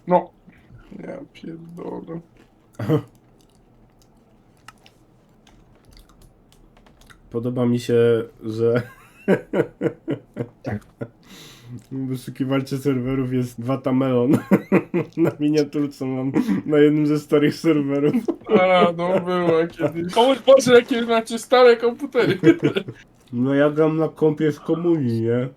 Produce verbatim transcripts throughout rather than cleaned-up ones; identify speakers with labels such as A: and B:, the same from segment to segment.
A: No. Ja pierdolę.
B: Podoba mi się, że wyszukiwalcie serwerów jest Watamelon. Na miniaturce mam na jednym ze starych serwerów.
A: A, no było kiedyś. O Boże, jakie macie stare komputery.
B: No ja gram na kompie z komunii, nie?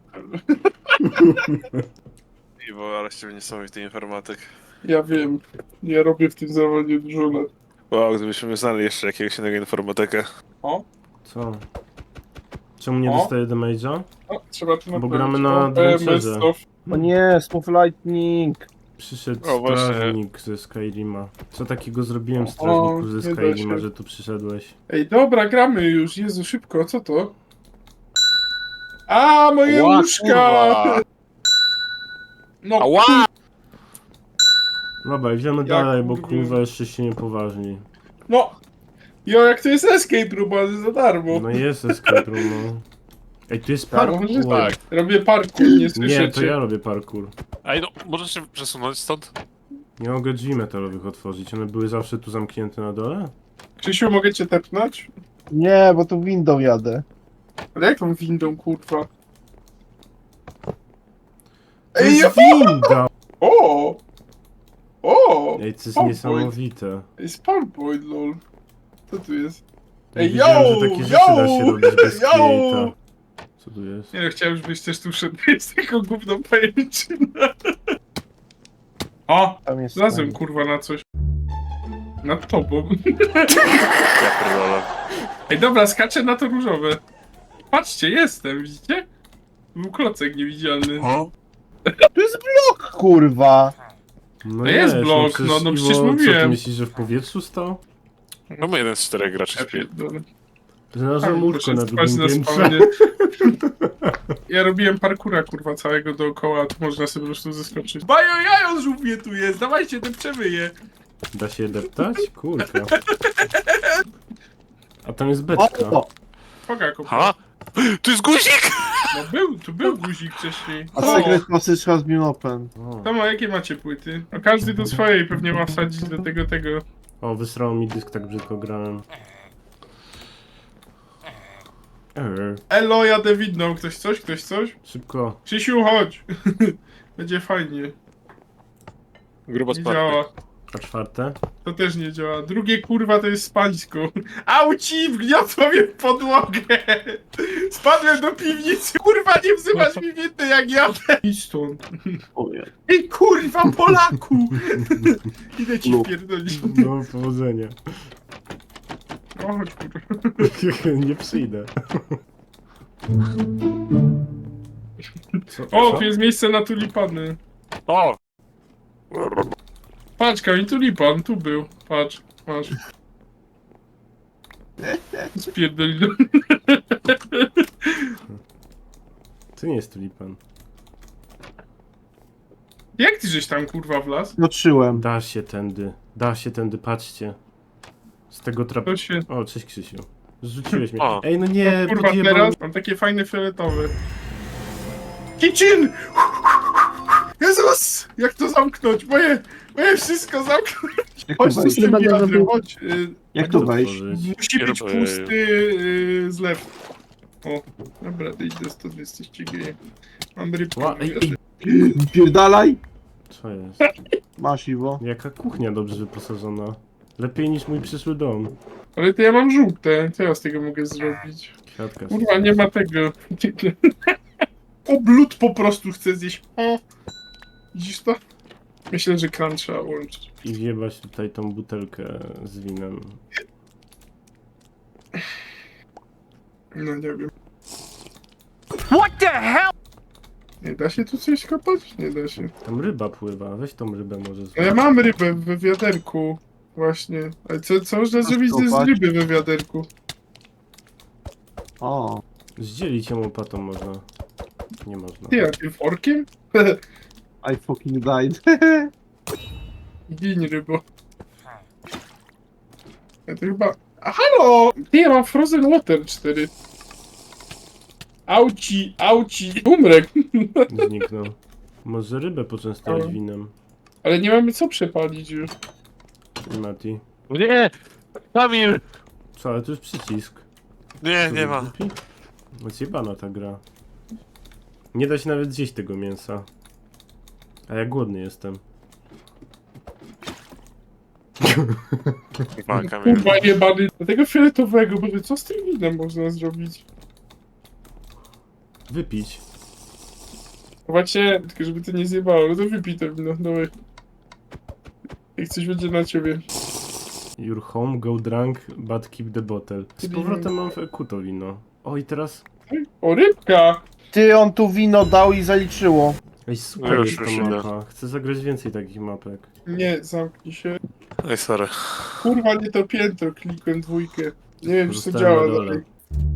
C: Iwo, ale z ciebie niesamowity informatyk.
A: Ja wiem. Ja robię w tym zawodzie dużo lat.
C: Wow, gdybyśmy znali jeszcze jakiegoś innego informatyka.
A: O,
B: Co? Czemu nie
A: O.
B: dostaję damage'a?
A: o, trzeba tu
B: Bo
A: naprawić.
B: gramy na
A: O, P M S
B: adventurze.
A: off.
D: O nie, Smooth Lightning!
B: Przyszedł
C: O, właśnie.
B: strażnik ze Skyrima. Co takiego zrobiłem
A: O,
B: strażniku ze
A: nie da
B: Skyrima,
A: się.
B: że tu przyszedłeś?
A: Ej, dobra, gramy już. Jezu, szybko, co to? A, moje
C: Ła,
A: łóżka!
C: kurwa!
A: No,
C: Ała!
B: Dobra, idziemy
A: Jak
B: dalej, bo
A: kurwa.
B: kurwa jeszcze się niepoważni.
A: no. Jo, jak to jest escape room, ale za darmo.
B: No jest escape room, no. Ej, tu jest
A: Tak,
B: parkour.
A: może tak. Robię parkour, nie
B: Nie,
A: słyszycie.
B: to ja robię parkour.
C: Ej, no, możesz się przesunąć stąd?
B: Nie mogę drzwi metalowych otworzyć, one były zawsze tu zamknięte na dole?
A: Krzysiu, mogę cię tepnąć?
D: Nie, bo tu windą jadę.
A: Ale jak tą windą, kurwa?
B: To
A: Ej,
B: jest winda!
A: O! O!
B: Ej, to jest
A: Spawn
B: niesamowite.
A: Ej, spawn point, lol. Co tu jest?
B: Nie
A: Ej,
B: wiedziałem,
A: yo!
B: że takie rzeczy da się
A: Yo!
B: robić bez
A: Yo!
B: create'a. Co tu jest?
A: Nie no, chciałem, żebyś też tu szedł z taką gówną pajęczyną. O!
D: Tam jest.
A: Znalazłem kurwa na coś. Nad tobą.
C: Ja pierdolę.
A: Ej, dobra, skaczę na to różowe. Patrzcie, jestem, widzicie? Był klocek niewidzialny.
D: Tu jest blok, kurwa!
B: No
A: To jest blok,
B: przecież
A: no, no
B: Iwo,
A: przecież
B: Co, ty
A: mówiłem.
B: myślisz, że w powietrzu stał?
C: No my jeden z czterech graczy
A: Ja
C: śpi.
A: pierdolę.
B: Znalazłem łóżko na
A: Poszedł spać
B: drugim
A: na
B: piętrze.
A: spawnie. Ja robiłem parkura, kurwa, całego dookoła, a tu można sobie po prostu zeskoczyć. Bajo, jajo żółwie tu jest, dawajcie, depczemy je.
B: Da się deptać? Kurka. A tam jest
D: O,
B: beczka.
D: o.
A: Poga, kurwa.
C: Ha? Tu jest guzik!
A: No był, tu był guzik wcześniej.
D: A
A: O,
D: Secret Passage has been open.
B: O,
A: to ma, jakie macie płyty? A każdy do swojej pewnie ma wsadzić do tego, tego.
B: o wysrało mi dysk, tak brzydko grałem. Eee,
A: Elo, jadę widną, ktoś coś, ktoś coś?
B: szybko.
A: Krzysiu, chodź. Będzie fajnie.
C: Grubo
A: Nie
C: spadł.
A: działa.
B: A czwarte?
A: To też nie działa. Drugie kurwa to jest spańsko. Auci, wgniotło mnie w podłogę. Spadłem do piwnicy. Kurwa, nie wzywasz mi winny jak jadę. Idź stąd.
D: Ojej.
A: Ej, kurwa, Polaku. Idę ci wpierdolić.
B: No, powodzenia.
A: O, chodź, kurwa.
B: Nie przyjdę. Co?
A: O,
B: Co?
A: tu jest miejsce na tulipany.
C: O!
A: Patrz, Kamil, tulipan, tu był. Patrz, patrz. Spierdoli do...
B: To nie jest tulipan.
A: Jak ty żeś tam, kurwa, wlazł?
D: Zobaczyłem.
B: Da się tędy. Da się tędy, patrzcie. Z tego trap...
A: To się...
B: O, cześć Krzysiu. Zrzuciłeś mnie.
C: O.
B: Ej, no nie,
A: No, kurwa,
B: podjebał...
A: teraz mam takie fajne fioletowe. Kitchen! Jezus! Jak to zamknąć? Moje, moje wszystko zamknąć.
D: Jak tu
A: Chodź tu z
D: wejść?
A: tym wiadrem, chodź. Y,
D: Jak tu wejść?
B: otworzyć.
A: musi być
C: Kieruję.
A: pusty y, zlew. O, dobra, to idź do stąd, jesteście geje. Mam rybkę.
B: Ła, ej, ej.
D: Pierdalaj!
B: Co jest?
D: Masz, Iwo.
B: Jaka kuchnia dobrze wyposażona. Lepiej niż mój przyszły dom.
A: Ale to ja mam żółte, co ja z tego mogę zrobić?
B: Kwiatka.
A: Kurwa, nie ma tego. Oblut po prostu chcę zjeść. O. Widzisz to? Myślę, że kran trzeba łączyć.
B: I wjebać tutaj tą butelkę z winem.
A: No nie wiem. What the hell? Nie da się tu coś kopać? Nie da się.
B: Tam ryba pływa, weź tą rybę może
A: No ja
B: złap.
A: mam rybę we wiaderku. Właśnie. Ale co, co można zrobić z
D: kopać?
A: ryby we wiaderku?
D: O.
B: Zdzielić ją łopatą można. Nie można.
A: Ty, a tym forkiem?
D: I fucking died.
A: Gin rybo. Ja to chyba... A halo! Ty, ja mam Frozen Water cztery. Auci, auci. Umrę.
B: Zniknął. Może rybę poczęstować
A: O.
B: winem.
A: Ale nie mamy co przepalić już.
B: Mati.
C: Nie! Kamil!
B: Co, ale to jest przycisk.
C: Nie, nie ma.
B: Zjebana ta gra. Nie da się nawet zjeść tego mięsa. A ja głodny jestem.
C: Ma Kamil.
A: Kurwa jebany. Do tego fioletowego, bo co z tym winem można zrobić?
B: Wypić.
A: Właśnie, tylko żeby to nie zjebało, no to wypij to wino, dawaj. Jak coś będzie na ciebie.
B: Your home, go drunk, but keep the bottle. Z powrotem mam w E Q to wino. O i teraz...
A: O, rybka!
D: Ty, on tu wino dał i zaliczyło.
B: Ej, super
C: Już,
B: jest
C: już
B: ta
C: idę.
B: mapa. Chcę zagrać więcej takich mapek.
A: Nie, zamknij się.
C: Ej, sorry.
A: Kurwa, nie to piętro, klikłem dwójkę. Nie wiem, czy to
B: Zostałem
A: działa
B: na dole.
A: dalej.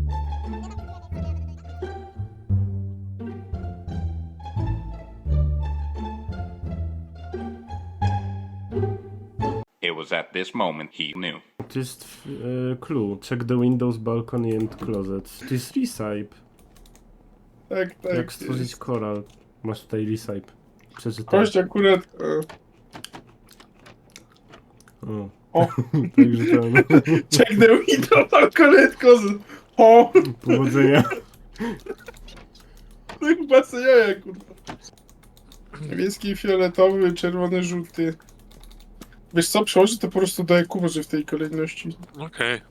E: It was at this moment he knew.
B: To jest e, clue. Check the windows, balcony and closets. To jest recipe.
A: Tak, tak.
B: Jak stworzyć
A: jest.
B: koral. Masz tutaj recipe. Przeczytaj.
A: Kość akurat... E,
B: O.
A: O.
B: Także ten.
A: check the window, balkonetko z... O!
B: Powodzenia.
A: To chyba co jaja, kurwa. Niebieski, fioletowy, czerwony, żółty. Wiesz co, przełożę to po prostu do E Q, może w tej kolejności.
C: Okej.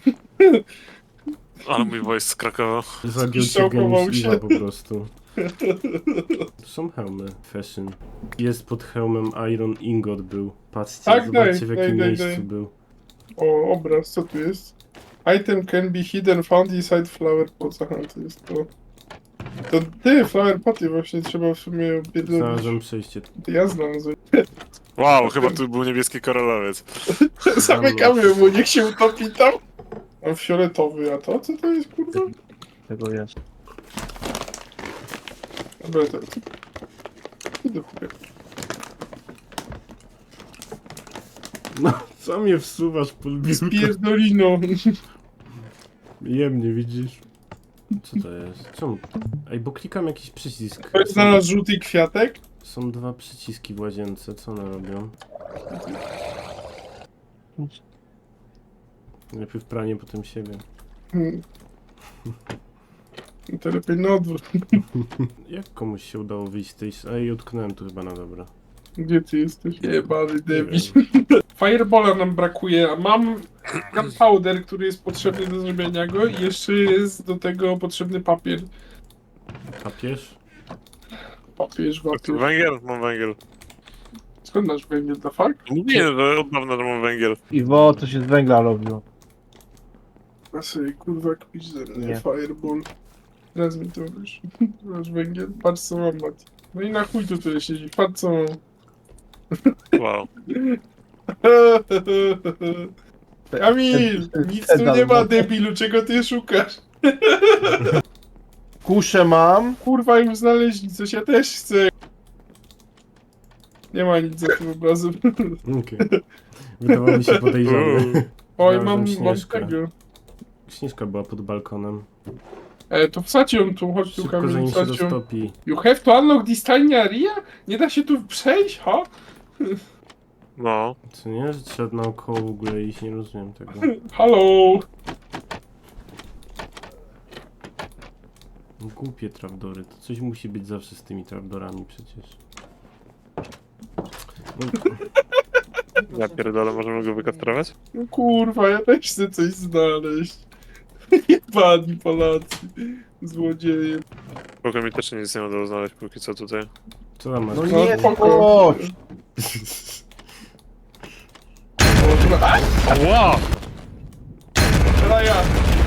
C: Ale mój voice z Krakowa.
B: Zagiął cię
A: Zszokował
B: geniusz
A: się.
B: Iwa po prostu. To są hełmy. Fashion. Jest pod hełmem Iron Ingot był. Patrzcie,
A: Tak,
B: zobaczcie
A: daj,
B: w
A: daj,
B: jakim
A: daj,
B: miejscu
A: daj.
B: był.
A: O, obraz, co tu jest? Item can be hidden, found inside flower pots. Aha, to jest to. To ty, flower poty właśnie trzeba w sumie opierdolić.
B: Znalazłem przejście.
A: To ja znalazłem.
C: Wow, chyba tu był niebieski koralowiec.
A: Zamykamy mu, niech się utopi tam. Mam fioletowy, a to? Co to jest, kurwa?
D: Tego jest.
A: Dobra, to... Idę chuja.
B: No, co mnie wsuwasz pod biurko?
A: Pierdolino.
B: Jemnie, widzisz? Co to jest? Czemu? Ej, bo klikam jakiś przycisk.
A: Ktoś
B: Są,
A: znalazł żółty kwiatek?
B: są dwa przyciski w łazience. Co one robią? Najpierw pranie, potem siebie.
A: Hmm. To lepiej na odwrót.
B: Jak komuś się udało wyjść z tej... Ej, utknąłem tu chyba na dobra.
A: Gdzie ty jesteś? Jebany
B: Nie
A: debil.
B: wiem.
A: Firebola nam brakuje, a mam gunpowder, który jest potrzebny do zrobienia go i jeszcze jest do tego potrzebny papier.
B: Papież?
A: Papież, papier.
C: Węgiel? Mam węgiel.
A: Skąd masz węgiel, the fuck?
C: Nie, no, od dawna to mam węgiel.
D: Iwo, to się z węgla robiło.
A: A sobie kurwa kpić ze mnie,
D: Nie.
A: fireball. Raz mi to wiesz. Masz węgiel? Patrz co mam, Mati. No i na chuj tu tyle siedzi, patrz co mam.
C: Wow.
A: Kamil, nic tu nie ma, debilu, czego ty szukasz?
D: Kuszę mam.
A: Kurwa, już znaleźli coś, ja też chcę. Nie ma nic za tym obrazem.
B: Okej. Wydawało mi się podejrzane.
A: Oj,
B: Znalazłem
A: mam, mam
B: Śnieżkę.
A: tego.
B: Śnieżka była pod balkonem.
A: E, to wsadź ją tu, chodź tu,
B: Szybko,
A: Kamil,
B: zanim się
A: wsadź ją.
B: roztopi.
A: You have to unlock this tiny area? Nie da się tu przejść, ha?
C: No.
B: Co nie? Że trzeba naokoło w ogóle iść, nie rozumiem tego.
A: Hello!
B: Głupie trapdory. To coś musi być zawsze z tymi trapdorami przecież. No,
C: Ja pierdolę, możemy go wykastrować?
A: No kurwa, ja też chcę coś znaleźć. Jebani Polacy. Złodzieje.
C: Spoko, mi też nic nie udało znaleźć póki co tutaj.
B: co tam masz?
D: No
A: No
D: nie,
A: spoko.
D: chodź.
A: A,
C: Wow!
A: teraz ja.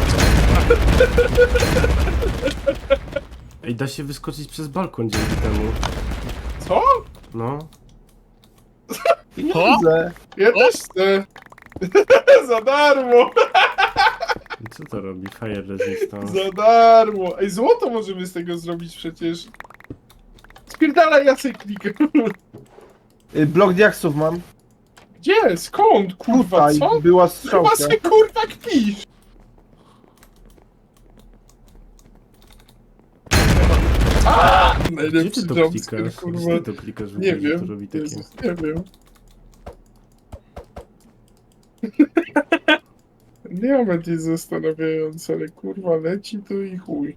B: Ej, da się wyskoczyć przez balkon dzięki temu.
A: Co?
B: No.
D: Pieniądze.
A: Ja też chcę. Za darmo!
B: I co to robi? Fire resistance.
A: Za darmo! Ej, złoto możemy z tego zrobić przecież. Spierdalaj, ja sobie klikam.
D: Y, Blok diaksów mam.
A: Gdzie? Skąd? Kurwa,
D: Tutaj
A: co?
D: była
A: Chyba
D: strzałka.
A: sobie kurwa kpisz. A!
B: Gdzie
A: Najlepszy
B: ty to
A: jumpscare,
B: klikasz?
A: kurwa.
B: Gdzie ty to klikasz w
A: Nie
B: ogóle, że
A: wiem.
B: to robi takie?
A: Jezus, nie wiem. Diament jest zastanawiający, ale kurwa leci to i chuj.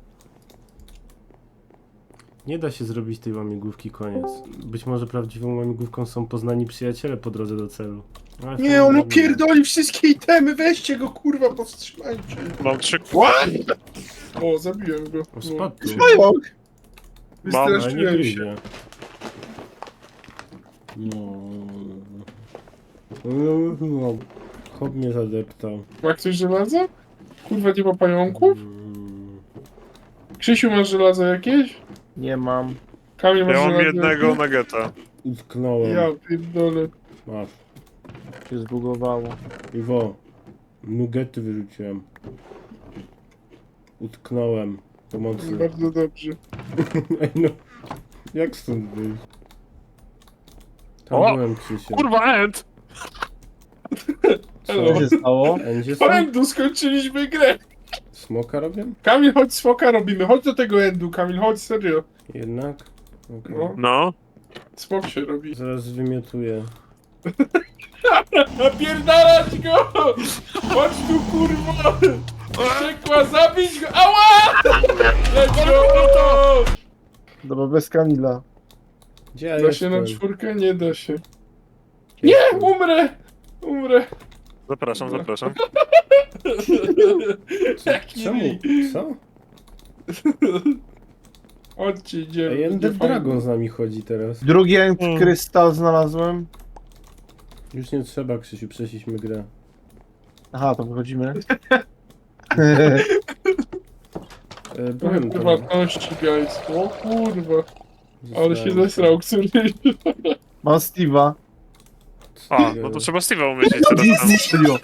B: Nie da się zrobić tej łamigłówki koniec. Być może prawdziwą łamigłówką są poznani przyjaciele po drodze do celu. Ale
A: Nie,
B: fajnie,
A: on
B: nie.
A: opierdoli wszystkie itemy, weźcie go kurwa, powstrzymajcie.
C: Mam trzy...
A: What? O, zabiłem go.
B: O, spadł tu.
A: Pająk!
C: Mam,
B: Ale nie
A: Wystraszyłem się.
B: gryzie. No. No, no. Chłop mnie zadeptał.
A: Ma ktoś żelazo? Kurwa, nie ma pająków?
B: Mm.
A: Krzysiu, masz żelazo jakieś?
D: Nie mam.
A: Kamil, masz
C: Ja mam
A: żelazo
C: jednego
A: jakieś?
C: nuggeta.
B: Utknąłem.
A: Ja pierdolę.
B: Masz.
D: Się zbugowało.
B: Iwo. Nugety wyrzuciłem. Utknąłem. Pomocy.
A: Bardzo dobrze.
B: Ej no. Jak stąd wyjść? Tam
C: O!
B: byłem, Krzysiu.
C: Kurwa, end!
B: Co?
A: Elo.
D: Co się stało?
B: Endzie są?
A: Endu, skończyliśmy grę.
B: Smoka robię?
A: Kamil, chodź, smoka robimy. Chodź do tego endu, Kamil, chodź, serio.
B: Jednak? Okej.
A: No.
C: No.
A: Smok się robi.
B: Zaraz wymiotuję.
A: Napierdalać go! Chodź tu, kurwa! Przekła, zabić go! Ała! Leć go!
D: Dobra, bez Kamila.
B: Gdzie ja
A: Da się na
B: jestem?
A: czwórkę? Nie da się.
B: Gdzie
A: Nie!
B: jestem?
A: Umrę! Umrę!
C: Zapraszam, zapraszam.
A: Jaki
B: Czemu?
A: rik.
B: Co?
A: Chodźcie, idziemy.
B: Ej, Ender
A: będzie fajnie.
B: Dragon z nami chodzi teraz.
D: Drugi end
C: Mm.
D: krystal znalazłem.
B: Już nie trzeba, Krzysiu, przeszliśmy grę.
D: Aha, to wychodzimy.
B: E, byłem tam.
A: Prywatności, guys. O kurwa. Ale się
B: Zostałem.
A: zesrał któryś.
D: Mam Steve'a.
C: A, no to trzeba Steve'a umieścić teraz tam.
D: Serio.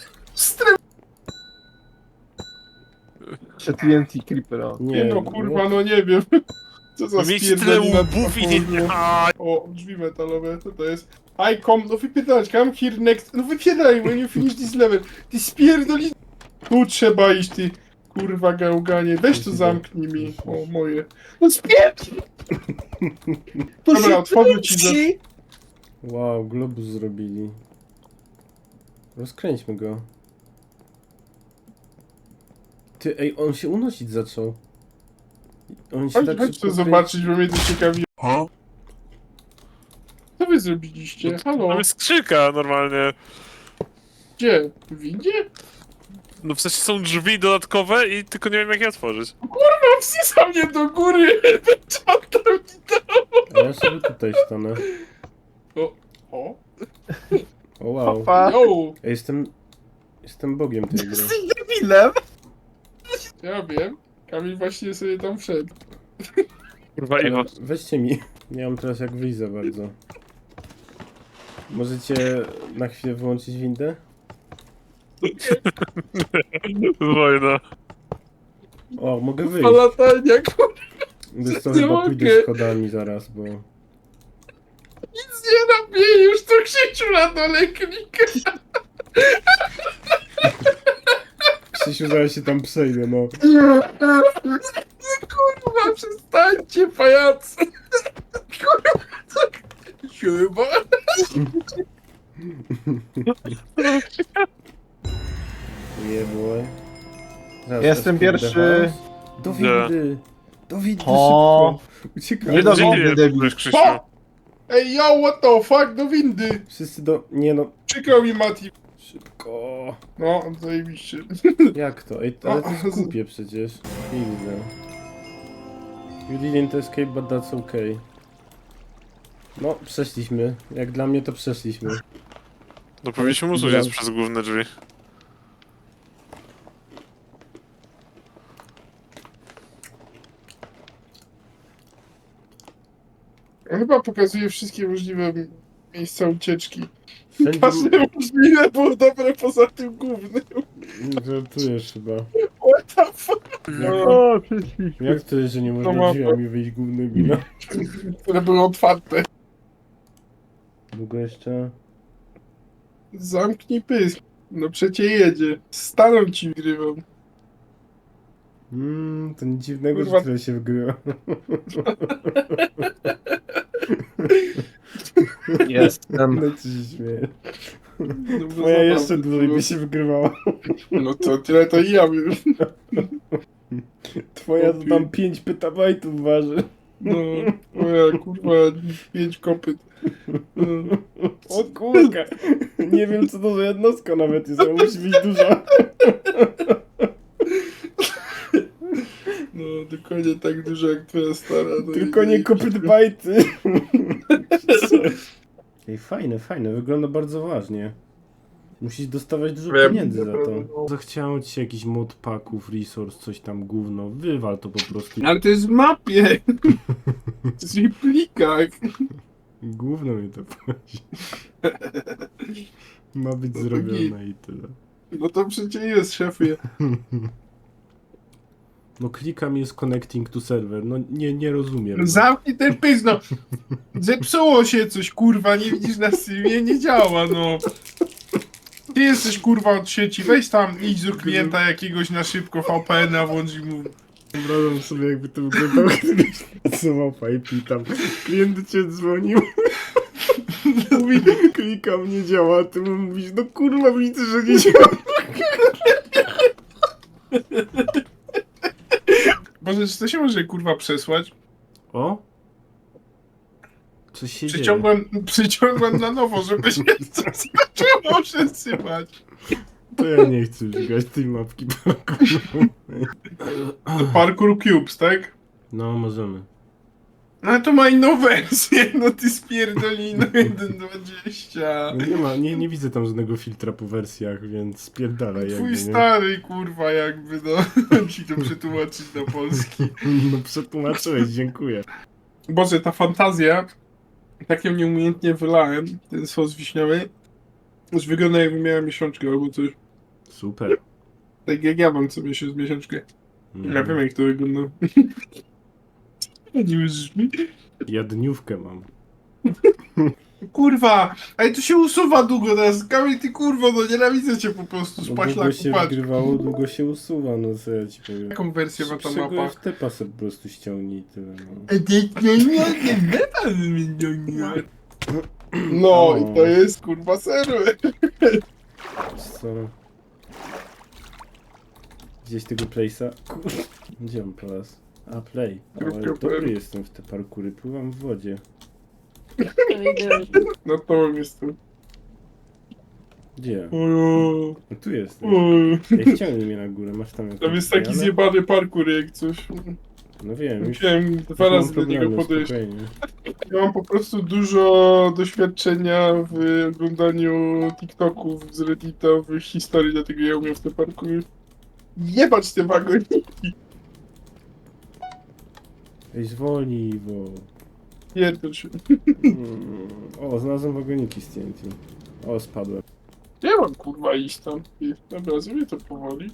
D: Jeszcze T N T Creeper, o.
A: Nie no, kurwa, no nie wiem. Co za
C: No mieć tyle
A: spierdolina
C: łbów i nie...
A: dwufolio.
C: A,
A: O, drzwi metalowe, co to jest? I come, no wypierdalać, come here next, no wypierdalaj, when you finish this level. Ty spierdoli... Tu trzeba iść, ty kurwa gałganie, weź to zamknij mi, o moje. No spierdol! Dobra, otworzę ci za...
B: Wow, globus zrobili. Rozkręćmy go. Ty, ej, on się unosić zaczął. On się
A: Chodź,
B: tak
A: chodź
B: szybko
A: to zobaczyć, bo mnie to ciekawi. Co wy zrobiliście? Halo?
C: tam jest skrzynka normalnie.
A: Gdzie? W windzie?
C: No w sensie są drzwi dodatkowe i tylko nie wiem jak je otworzyć.
A: No wsysa mnie do góry! Czata mi to!
B: A ja sobie tutaj stanę.
A: O, o,
B: O wow.
D: Papa.
A: yo!
B: Ja jestem... Jestem bogiem tej gry.
D: Jesteś debilem!
A: Ja wiem. Kamil właśnie sobie tam wszedł.
C: Kurwa, Iwo.
B: Ale weźcie mi. Nie mam teraz jak wyjść za bardzo. Możecie na chwilę wyłączyć windę?
C: Wojna.
B: O, mogę wyjść.
A: A latania, kurwa,
B: Wiesz co,
A: nie
B: chyba
A: mogę.
B: pójdę schodami zaraz, bo...
A: nic nie robię, już to Krzysiu na dole klika.
B: Krzysiu, zaraz się tam przejdę, no.
A: Kurwa, przestańcie, pajacy. Kurwa, tak. Chyba.
B: Nie było. Zaraz,
D: Jestem
B: teraz
D: pierwszy.
B: kurde, chaos. Do windy! Do windy
D: O.
B: szybko! Uciekaj!
D: Nie do
C: Gdzie
D: windy,
C: ty
D: debil.
C: jesteś, Krzysiu?
A: O! Ej, yo, what the fuck, do windy.
B: Wszyscy do... Nie no,
A: Przykro mi, Mati.
B: szybko!
A: No, zajebiście.
B: Jak to? Ej, ale to jest głupie przecież. Widzę. You didn't escape, but that's okay. No, przeszliśmy. Jak dla mnie to przeszliśmy.
C: No powinniśmy mu uciec przez główne drzwi.
A: On chyba pokazuje wszystkie możliwe miejsca ucieczki.
B: Wszędzie...
A: Każde możliwe było dobre poza tym głównym.
B: Żartujesz chyba.
A: What the fuck?
D: O, przyszliśmy.
B: Jak to jest, że nie można
A: mapa.
B: drzwiami wyjść głównymi, no?
A: Które były otwarte.
B: Długo jeszcze?
A: Zamknij pysk. No przecie jedzie. Staną ci grywam.
B: Mmm, to nic dziwnego,
A: Kurwa.
B: że tyle się wygrywa.
D: Jestem.
B: No co się śmieje.
A: No, bo
B: Twoja
A: zabawne
B: jeszcze dłużej
A: było.
B: by się wygrywała.
A: No to tyle to i ja bym.
B: Twoja to tam pięć petabajtów waży.
A: No, moja kurwa, pięć kopyt. No.
B: O kurka. Nie wiem co to za jednostka nawet jest, ale musi być duża.
A: No, dokładnie tak dużo jak twoja stara. No
B: Tylko
A: i-
B: nie kopyt bajty. Ej, fajne, fajne, wygląda bardzo ważnie. Musisz dostawać dużo
A: Wiem,
B: pieniędzy za to.
A: naprawdę.
B: Zachciało ci się jakiś mod packów, resource, coś tam gówno. Wywal to po prostu.
A: Ale to jest w mapie. To jest w plikach.
B: Gówno mi to płaci. Ma być
A: No to
B: zrobione i tyle.
A: No to przecież jest, szefie.
B: No klikam jest connecting to server. No nie, nie rozumiem. No.
A: Zamknij ten pysk, no. Zepsuło się coś, kurwa, nie widzisz na streamie, nie działa, no. Ty jesteś, kurwa, od sieci, weź tam, idź do klienta jakiegoś na szybko, V P N a włącz i mu...
B: Wyobrażam sobie jakby to wyglądało, gdybyś pracował w I P tam. Klient do ciebie dzwonił. Mówi, klikam, nie działa, a ty mu mówisz, no kurwa widzę, że nie działa.
A: Boże, czy to się może, kurwa, przesłać?
B: O? Coś się dzieje.
A: Przyciągłem, przyciągłem na nowo, żeby się coś zaczęło przesypać.
B: To ja nie chcę już grać tej mapki parkouru.
A: Parkour Cubes, tak?
B: No, możemy.
A: No ale to ma inną wersję, no ty spierdolino jeden dwadzieścia.
B: No nie ma, nie, nie widzę tam żadnego filtra po wersjach, więc spierdalaj jakby,
A: Twój
B: nie?
A: stary, kurwa, jakby, no, ci to przetłumaczyć na polski.
B: No przetłumaczyłeś, dziękuję.
A: Boże, ta fantazja, tak ją nieumiejętnie wylałem, ten sos wiśniowy, już wygląda jakby miała miesiączkę albo coś.
B: Super.
A: Tak jak ja mam co miesiąc miesiączkę.
B: Mm.
A: Ja wiem jak to wygląda. Nie wierzysz mi?
B: Ja dniówkę mam.
A: Kurwa, ale to się usuwa długo teraz. Kamil, ty kurwo, no nienawidzę cię po prostu,
B: No, długo
A: spaślaku,
B: się
A: patrz.
B: wygrywało, długo się usuwa, no co ja ci powiem.
A: Jaką wersję ma ta mapa?
B: Czego w tepa sobie po prostu ściągnij i tyle, no.
A: No i to jest kurwa serwer.
B: Co? Gdzieś tego place'a? Kur... Gdzie on teraz? A, play. Ale
A: Kropka
B: dobry
A: play.
B: jestem w te parkury, pływam w wodzie.
A: No to jestem.
B: Gdzie?
A: Ojo,
B: No tu jestem.
A: ojo.
B: Ej, ściągnij mnie na górę, masz tam jakąś
A: Tam jest taki
B: zmianę?
A: zjebany parkour jak coś.
B: No wiem, już
A: Musiałem
B: już
A: dwa
B: mam
A: razy do niego
B: problemy,
A: podejść.
B: spokojnie.
A: Ja mam po prostu dużo doświadczenia w oglądaniu TikToków z Reddita, w historii, dlatego ja umiem w te parkury. Jebać te wagoniki!
B: Ej, zwolnij, bo...
A: Pierdol się.
B: Mm, O, znalazłem wagoniki z T N T. O, spadłem.
A: Nie mam kurwa iść tam. I- Dobra, zrobię to powoli.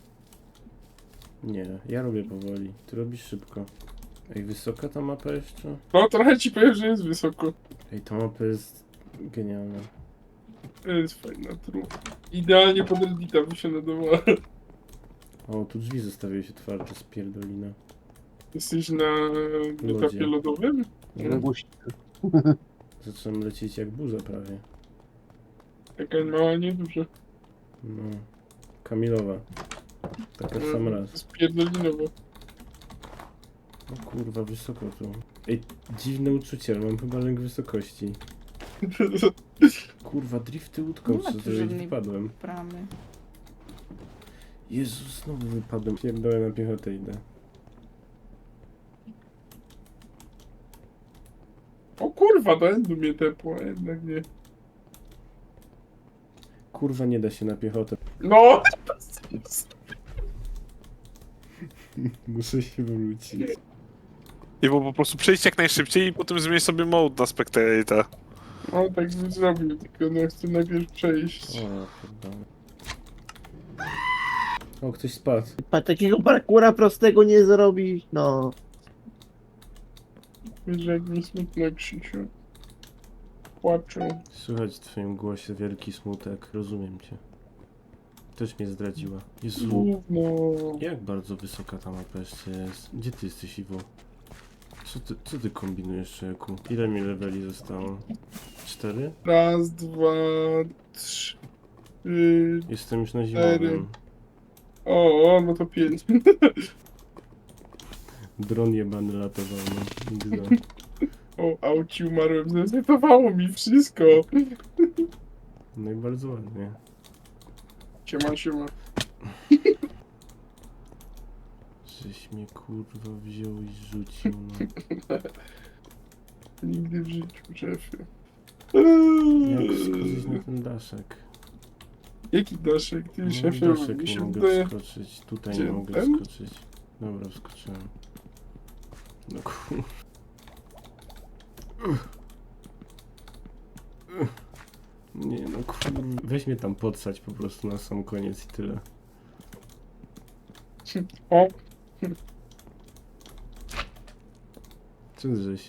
B: Nie, ja robię powoli. Ty robisz szybko. Ej, wysoka ta mapa jeszcze?
A: No trochę ci powiem, że jest wysoko.
B: Ej, ta mapa jest genialna.
A: To jest fajna trup. Idealnie pod Reddita by się nadawała.
B: O, tu drzwi zostawiły się otwarte, spierdolina.
A: Jesteś na etapie
B: Lodzie.
A: lodowym?
B: No, zaczynam lecieć jak burza prawie.
A: Taka mała, nieduża.
B: No. Kamilowa. Taka w sam raz.
A: Spierdolinowa.
B: O kurwa, wysoko tu. Ej, dziwne uczucie, ale mam chyba lęk wysokości. Kurwa, drifty łódką
F: Nie ma
B: chcę
F: tu
B: zrobić,
F: żadnej
B: wypadłem.
F: bramy.
B: Jezus, znowu wypadłem. Pierdolę na piechotę idę.
A: O kurwa, do endu mnie tepło, a jednak nie.
B: Kurwa, nie da się na piechotę.
A: No!
B: Muszę się wrócić.
C: I bo po prostu przejść jak najszybciej i potem zmienić sobie mode na spectator.
A: No tak bym zrobił, tylko no chcę najpierw przejść.
B: O, pierdolę. O, ktoś spadł.
D: Pa, takiego parkura prostego nie zrobisz, no.
A: Wiesz, jak mi smutno, Krzysiu. Płaczę.
B: Słychać w twoim głosie wielki smutek, rozumiem cię. Też mnie zdradziła. Jezu,
A: Gówno.
B: jak bardzo wysoka ta mapa jeszcze jest? Gdzie ty jesteś, Iwo? Co ty, co ty kombinujesz, człowieku? Ile mi leveli zostało? Cztery?
A: Raz, dwa, trzy.
B: Jestem już na
A: Cztery.
B: zimowym.
A: O, o, no to pięć.
B: Dron jebany latował, no. Nigdy.
A: O, auci umarłem, zresetowało mi wszystko.
B: No i bardzo ładnie.
A: Siema, siema.
B: Żeś mnie kurwa wziął i rzucił, no.
A: Nigdy w życiu, szefie.
B: Jak skoczyć na ten daszek?
A: Jaki daszek, ty
B: No,
A: szefie,
B: daszek
A: mi
B: nie
A: się
B: mogę
A: wydaje...
B: wskoczyć, tutaj
A: Gdzie,
B: nie mogę
A: ten?
B: wskoczyć. Dobra, wskoczyłem. No kur... Nie no kur... Weź mnie tam podsać po prostu na sam koniec i tyle.
A: O,
B: Co żeś?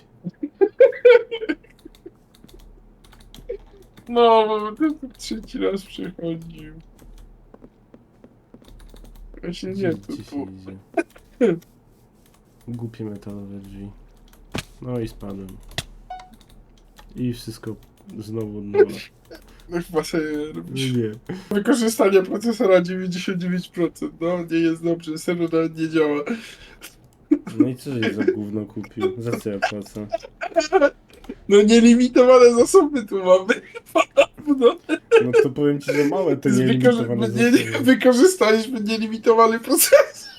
A: no, bo to to trzeci raz przychodził. Ja się
B: Gdzie,
A: nie,
B: gdzie
A: tu,
B: się
A: tu.
B: idzie? Głupie metalowe drzwi. No i spadłem. I wszystko znowu od nowa.
A: No chyba sobie
B: No
A: robisz.
B: nie.
A: Wykorzystanie procesora dziewięćdziesiąt dziewięć procent, no, nie jest dobrze, serwer nawet nie działa.
B: No i co żeś za gówno kupił? Za co ja płacę?
A: No nielimitowane zasoby tu mamy. No,
B: No to powiem ci, że małe te
A: Wykorzy-
B: nielimitowane
A: nie,
B: zasoby.
A: wykorzystaliśmy nielimitowany procesor.